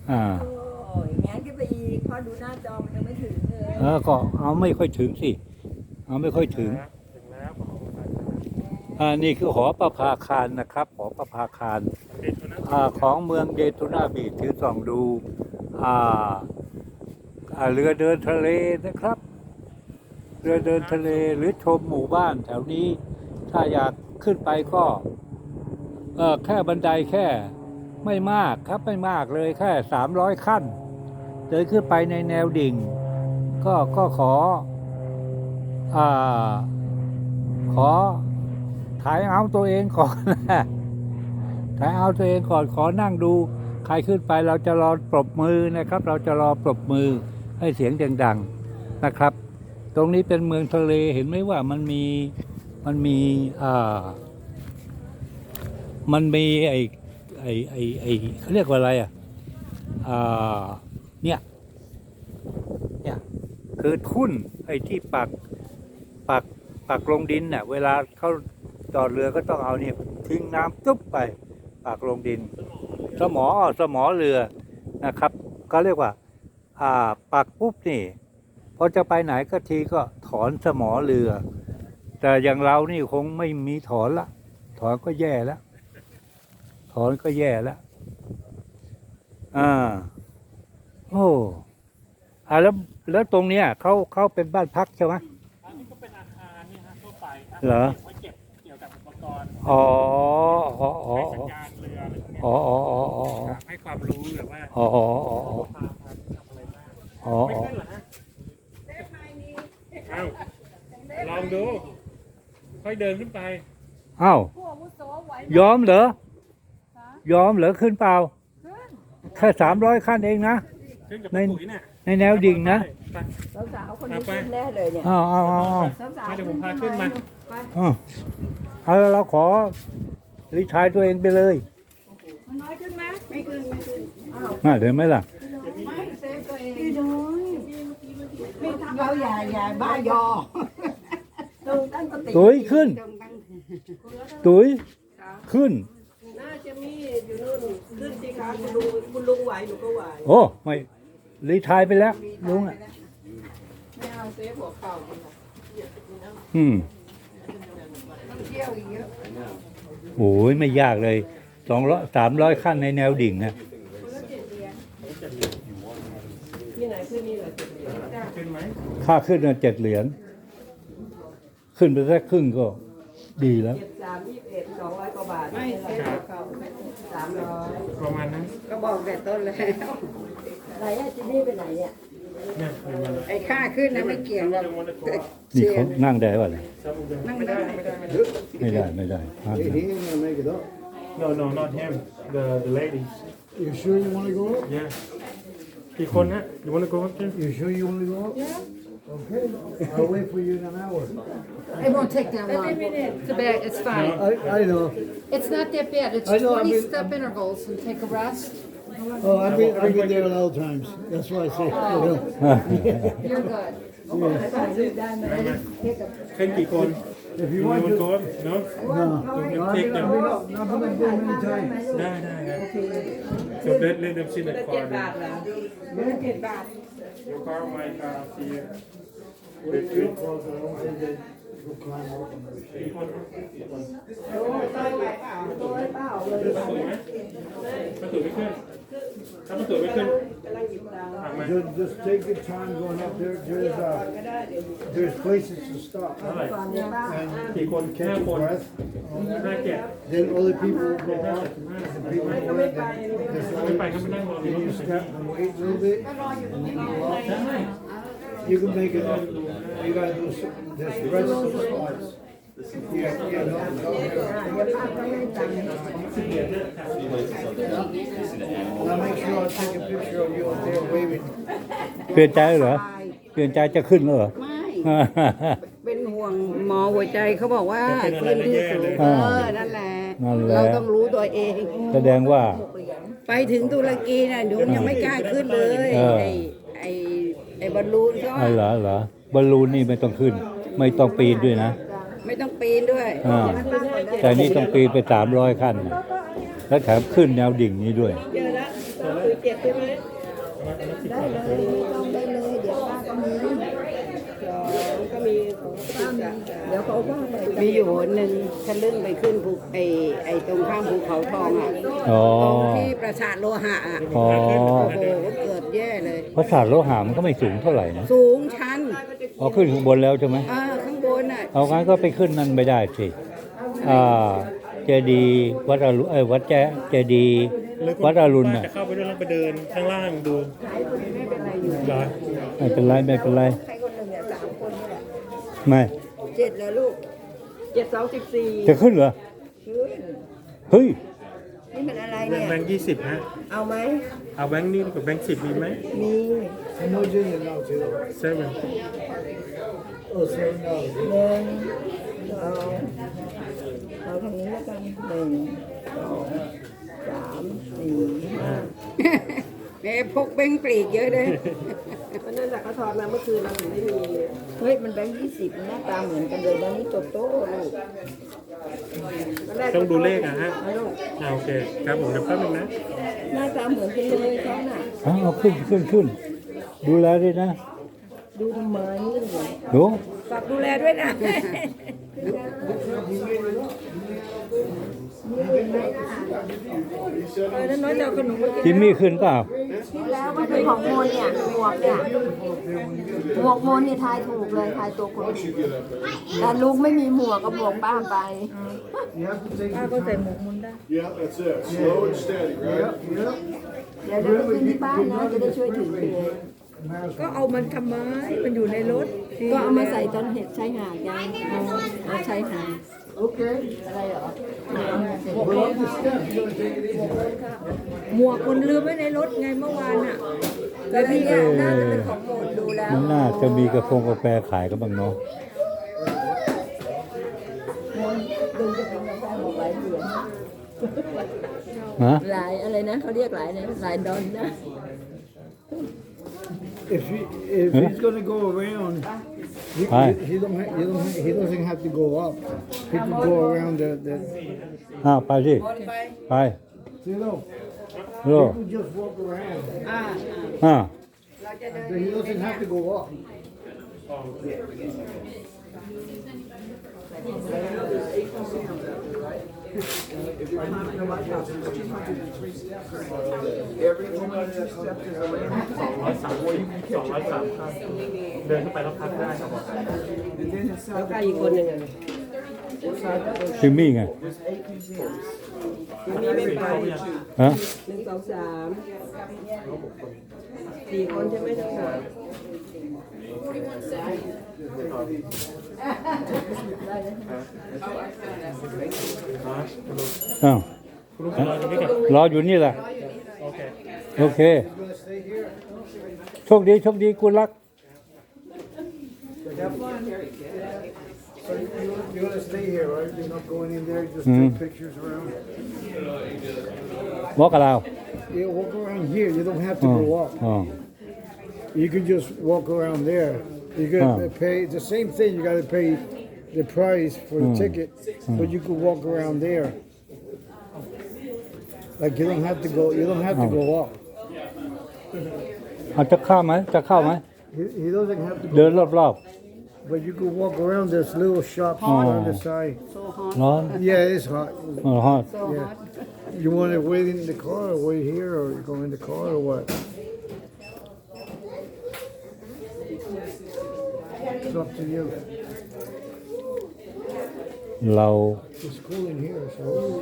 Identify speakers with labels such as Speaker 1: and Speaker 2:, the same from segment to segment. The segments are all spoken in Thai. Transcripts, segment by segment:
Speaker 1: อ่า
Speaker 2: โอ้ยงั้นขึ้นไปอีกพอดูหน้าจอมันยังไม่ถึงเลย
Speaker 1: ก็เอาไม่ค่อยถึงสิเอาไม่ค่อยถึง
Speaker 3: ถึงแล้วขอไป
Speaker 1: นี่คือหอประภาคารนะครับหอประภาคาร
Speaker 3: เด็กคนนั้น
Speaker 1: ของเมืองเดทูนาบีชที่ส่องดูอ่าเรือเดินทะเลนะครับ เรือเดินทะเลหรือชมหมู่บ้านแถวนี้ ถ้าอยากขึ้นไปก็แค่บันไดแค่ไม่มากครับไม่มากเลยแค่300ขั้นเดินขึ้นไปในแนวดิ่ง ก็อ่าขอถ่ายเอาตัวเองก่อนนะถ่ายเอาตัวเองก่อนขอนั่งดูใครขึ้นไปเราจะรอปรบมือนะครับ เราจะรอปรบมือให้เสียงดังๆนะครับ ตรงนี้เป็นเมืองทะเลเห็นไหมว่ามันมีไอเขาเรียกว่าอะไรเนี่ยคือทุ่นไอ้ที่ปักลงดินน่ะเวลาเขาจอดเรือก็ต้องเอาเนี่ยทิ้งน้ำตุ๊บไปปักลงดินสมอเรือนะครับ ก็เรียกว่าปักปุ๊บนี่พอจะไปไหนก็ทีก็ถอนสมอเรือ แต่อย่างเรานี่คงไม่มีถอนละถอนก็แย่แล้วโอ้แล้วตรงเนี้ยเขาเป็นบ้านพักใช่ไหม
Speaker 3: อันนี้ก็เป็นอาคารนี่ฮะทั่วไปครับ
Speaker 1: เหรอ
Speaker 3: ไว้เก็บเกี่ยวกับอุปกรณ์
Speaker 1: อ๋อ
Speaker 3: ให้สัญญาณเรืออะไรพวกเนี้ยให้ความรู้แบบว่าพาทำอะไรบ้างไม่ขึ้นเหรอฮะเอาลองดูค่อยเดินขึ้นไป
Speaker 1: อ้าว
Speaker 2: ผู้อาวุโสไหวย
Speaker 1: อมเหรขึ้นเปล่าแค่300ขั้นเองนะ
Speaker 3: ขึ้นกับปุ๋ยเนี่ย
Speaker 1: ในแนวดิ่งนะ
Speaker 2: สาวๆคนนี้ขึ้นแน่เลยเนี่ย
Speaker 1: เอา
Speaker 2: สาวๆ
Speaker 3: เดี๋ยวผมพาขึ้นมา
Speaker 2: ไป
Speaker 1: เอาเราขอรีทายตัวเองไปเลย
Speaker 2: มันน้อยขึ้นไหมไม่ขึ้นอ้าว
Speaker 1: เห็นไหมล่ะ
Speaker 2: ไม่เซฟตัวเองพี่น้อยไม่ทำเราอย่าบ้ายอตรงตั้งสติ
Speaker 1: ตุ๋ยขึ้น ตุ๋ยขึ้น
Speaker 2: น่าจะมีอยู่นู่นขึ้นสิคะคุณลุงไหวหนูก็ไหว
Speaker 1: โอ้ไม่รีทายไปแล้วลุงอ่ะ
Speaker 2: ไม่เอาเซฟหัวเข่า ต้องเที่ยวอีกเยอะ
Speaker 1: โอ้ยไม่ยากเลย300ขั้นในแนวดิ่งนะ
Speaker 2: ที่ไหนขึ้นนี่เหรอ
Speaker 3: ขึ้นไหม
Speaker 1: ค่าขึ้น7เหรียญขึ้นไปแค่ครึ่งก็ดีแล้ว
Speaker 2: 321 200 กว่าบาทไม่เซฟหัวเข่า300
Speaker 3: ประมาณนั้น
Speaker 2: ก็บอกแต่ต้นแล้วไหนอะจินนี่ไปไหนเนี่ย
Speaker 3: เนี่ยเดี๋ยวมัน
Speaker 2: ไอ้ค่าขึ้นนะไม่เกี่ยวหรอก
Speaker 1: นี่เขานั่งได้ป่ะเนี่ย
Speaker 2: นั่งไม่ได้
Speaker 1: ไม่ได้ห้าม
Speaker 4: He
Speaker 1: นะ
Speaker 4: ain't gonna make it up.
Speaker 3: No not him the ladies
Speaker 4: You sure you wanna go up?
Speaker 3: yeah กี่คนฮะ you wanna go up too
Speaker 4: You sure you wanna go up? Yeah. Okay, I'll wait for you in an hour.
Speaker 5: It won't take that long. It's a bad, it's fine.
Speaker 4: I know.
Speaker 5: It's not that bad. It's
Speaker 4: I know, I've
Speaker 5: 20
Speaker 4: been-
Speaker 5: step intervals and take a rest.
Speaker 4: Oh, I've been there a lot of times. That's why I say, you know.
Speaker 5: You're good.
Speaker 3: ขึ้นกี่คน
Speaker 4: If
Speaker 3: you
Speaker 4: you want
Speaker 3: wanna
Speaker 4: to,
Speaker 3: go up no
Speaker 4: no, I've been up there many times.
Speaker 3: ได้ครับ so let them see the car
Speaker 2: 7 บาทเหรอ7 บาท
Speaker 3: your car my car see you
Speaker 4: Wait, because I don't think they go climb up on the
Speaker 3: กี่คนกี่คน
Speaker 2: โอ้ยต้อยไปเปล่าต้อยเปล่าเลย
Speaker 3: ประตูไหมประตูไม่ขึ้นถ้าประตูไม่ขึ้น
Speaker 2: กำลังหยิบตังค์
Speaker 3: ถามมา
Speaker 4: Just take your time going up there.
Speaker 2: ก็ได้เดี๋ยว
Speaker 4: There's places to stop.
Speaker 3: เท่าไหร่
Speaker 2: ก่อนเนี่ยบ้าง
Speaker 3: กี่คน5
Speaker 4: Catch
Speaker 3: ค
Speaker 4: your
Speaker 3: น
Speaker 4: breath.
Speaker 3: 5 7
Speaker 4: Then other people will go off. The people
Speaker 2: ไม่
Speaker 4: go
Speaker 2: ไม่
Speaker 4: in,
Speaker 2: ไป
Speaker 4: then
Speaker 3: ไม่ไปก็ไม่นั่งรอ
Speaker 4: then you step and wait a little bit. And then you go off. You can make it up. You gotta do some, there's rest of spots. Yeah, no.
Speaker 2: เดี๋ยวป้าก็ให้ตังค์
Speaker 4: I'll make sure I take a picture of you up there waving.
Speaker 1: เปลี่ยนใจเหรอเปลี่ยนใจจะขึ้นแล้วเหรอ
Speaker 2: ไม่ เป็นห่วงหมอหัวใจเขาบอกว่าขึ้นที่สูงนั่นแหละ เราต้องรู้ตัวเอง
Speaker 1: แสดงว่า
Speaker 2: ไปถึงตุรกีน่ะหนูยังไม่กล้าขึ้นเลย ไอ้บอลลูนก็
Speaker 1: เหรอบอลลูนนี่ไม่ต้องขึ้น ไม่ต้องปีนด้วยนะ
Speaker 2: ไม่ต้องปีนด้วย
Speaker 1: แต่นี่ต้องปีนไป300ขั้นนะแล้วแถมขึ้นแนวดิ่งนี้ด้วย
Speaker 2: เจอแล้วได้เลยต้องได้เลยเดี๋ยวป้าก็มีเดี๋ยวเขาว่าไปมีอยู่หนึ่งทะลึ่งไปขึ้นภูไอ้ตรงข้ามภูเขาทองอ่ะ
Speaker 1: อ๋อ
Speaker 2: ตรงที่ปราสาทโลหะอ่ะ
Speaker 1: อ๋อ
Speaker 2: โอ้โหเกิดแย่เลย
Speaker 1: พระศาสตร์โลหะมันก็ไม่สูงเท่าไหร่นะ
Speaker 2: สูงชัน
Speaker 1: เอาขึ้นข้างบนแล้วใช่ไหม
Speaker 2: ข้างบนอ่ะ
Speaker 1: เอางั้นก็ไปขึ้นนั่นไม่ได้สิเจดีย์วัดอรุณวัดเจดีย์วัดอรุณน่ะ
Speaker 3: จะเข้าไปด้วยแล้วไปเดินข้างล่างดู
Speaker 2: ไม่เป็นไรอยู่
Speaker 3: เหรอ
Speaker 1: ไม่เป็นไรไม่เป็นไร
Speaker 2: ใครคนหนึ่งเนี่ย3 คนนี่แหละ
Speaker 1: ไม่
Speaker 2: 7แล้วลูก7 2 14
Speaker 1: จะขึ้นเหรอ
Speaker 2: ขึ้น
Speaker 1: เฮ้ย
Speaker 2: นี่มันอะไรเนี่ย
Speaker 3: แบงค์20ฮะ
Speaker 2: เอาไหม
Speaker 3: เอาแบงค์นี้กับแบงค์10มีไหม
Speaker 2: มี
Speaker 4: How much is it now, too?
Speaker 3: 7
Speaker 4: Oh, $7.
Speaker 2: 1 2เอาทางนี้แล้วกัน1 2 3 4 5พกแบงค์ปลีกเยอะเลยวันนั้นเขาถอดมาเมื่อคืนเราถึงได้มีเฮ้ยมันแบงค์20หน้าตาเหมือนกันเลยแล้วนี่โตโต้ลูก
Speaker 3: ต้องดูเลขอะฮะโอเคครับผมเดี๋ยวแป๊บนึงนะ
Speaker 2: หน้าตาเหมือนกันเลยเขาน่ะ
Speaker 1: เอาขึ้นดูแลด้วยนะ
Speaker 2: ดูทำไมนี่เลย
Speaker 1: ดู
Speaker 2: ฝากดูแลด้วยนะนั่นน้อยจะเอาขนมมากิน
Speaker 1: จิมมี่ขึ้นเปล่า
Speaker 6: แล้วมันเป็นของโมนเนี่ยหมวกเนี่ยหมวกโมนเนี่ยทายถูกเลยทายตัวคนถูกแต่ลุงไม่มีหมวกกับหมวกป้าไป
Speaker 4: You have to take
Speaker 2: ป้า
Speaker 4: your
Speaker 2: ก็ใส่
Speaker 4: time.
Speaker 2: หมวกมุนได้
Speaker 7: Yeah, that's it. Slow and steady, right?
Speaker 4: Yep.
Speaker 6: เดี๋ยวเราไปขึ้นที่บ้านนะจะได้ช่วยถือเอง
Speaker 2: ก็เอามันทำไมมันอยู่ในรถ
Speaker 6: ก็เอามาใส่ตอนเห็ดชายหาดไงเอาชายหาด
Speaker 4: Okay.
Speaker 6: อะไรเหรอ
Speaker 4: We're on the steps. You want to take it easy?
Speaker 2: หมวกมันลืมไว้ในรถไงเมื่อวานอ่ะ
Speaker 6: แต่พี่เนี่ยน่าจะเป็นของโมนดูแล้ว
Speaker 1: มันน่าจะมีกาแฟขายกันบ้างเนาะ
Speaker 6: ลุงจะเป็นกาแฟหมวกหลายเหรียญ
Speaker 1: ฮะ
Speaker 6: หลายอะไรนะเขาเรียกหลายนะหลายดอลนะ
Speaker 4: If he's gonna go around,
Speaker 1: Hi.
Speaker 4: he doesn't have to go up. He can go around the
Speaker 1: ไปสิไป
Speaker 4: you know.
Speaker 1: โล
Speaker 4: He can just walk around. 'But he doesn't have to go up.
Speaker 7: Every woman that steps is a lamb.
Speaker 3: 203เดินขึ้นไปแล้วพักได้ครับผม
Speaker 7: And then inside the
Speaker 2: อีกคนหนึ่ง
Speaker 1: จิมมี่ไง
Speaker 2: มีไม่ไป
Speaker 1: ฮะ
Speaker 2: 1 2 3 4 คนใช่ไหมทั้งหมด
Speaker 1: อ้าว
Speaker 3: คุณลุงรอตรงนี้ก่อน
Speaker 1: รออยู่นี่แหละ
Speaker 3: โอเค
Speaker 1: โอเค โชคดีกุลัก
Speaker 4: You're gonna stay here, right? You're not going in there, just
Speaker 1: Mhm.
Speaker 4: take pictures around?
Speaker 1: บอกกับเรา
Speaker 4: Yeah, walk around here. You don't have to go up.
Speaker 1: อ๋อ
Speaker 4: You can just walk around there. You gotta pay the same thing. You gotta pay the price for the ticket, but you could walk around there. Like you don't have to go. You don't have to go up.
Speaker 1: จะเข้าไหม
Speaker 4: He doesn't have to
Speaker 1: เดิน
Speaker 4: go,
Speaker 1: รอบ
Speaker 4: but you could walk around this little shop on the side.
Speaker 1: ๆร้อน
Speaker 4: Yeah, it's hot.
Speaker 1: ฮอต
Speaker 4: Yeah. You want to wait in the car, or wait here, or go in the car, or what? It's up to you.
Speaker 1: เรา
Speaker 4: It's cool in here, so.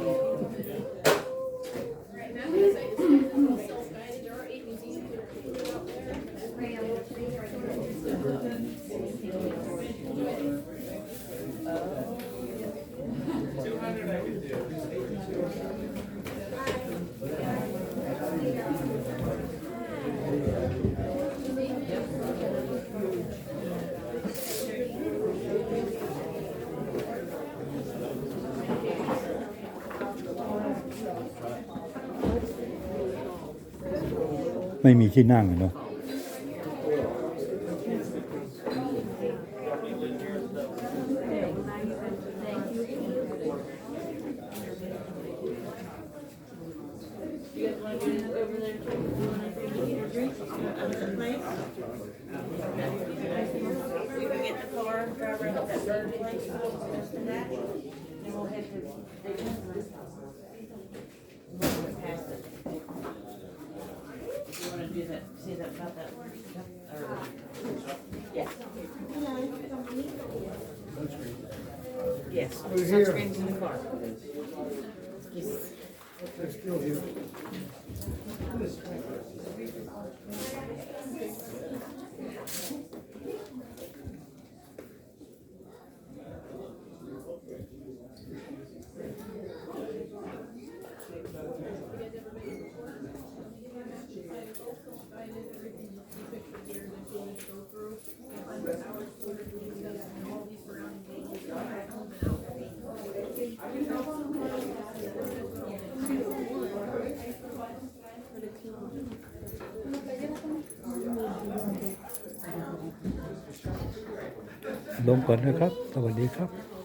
Speaker 1: ไม่มีที่นั่งอะเนาะ
Speaker 7: Yes.
Speaker 4: We're here.
Speaker 7: Sunscreen's in the car.
Speaker 4: They're still here.
Speaker 1: ลงก่อนนะครับ สวัสดีครับ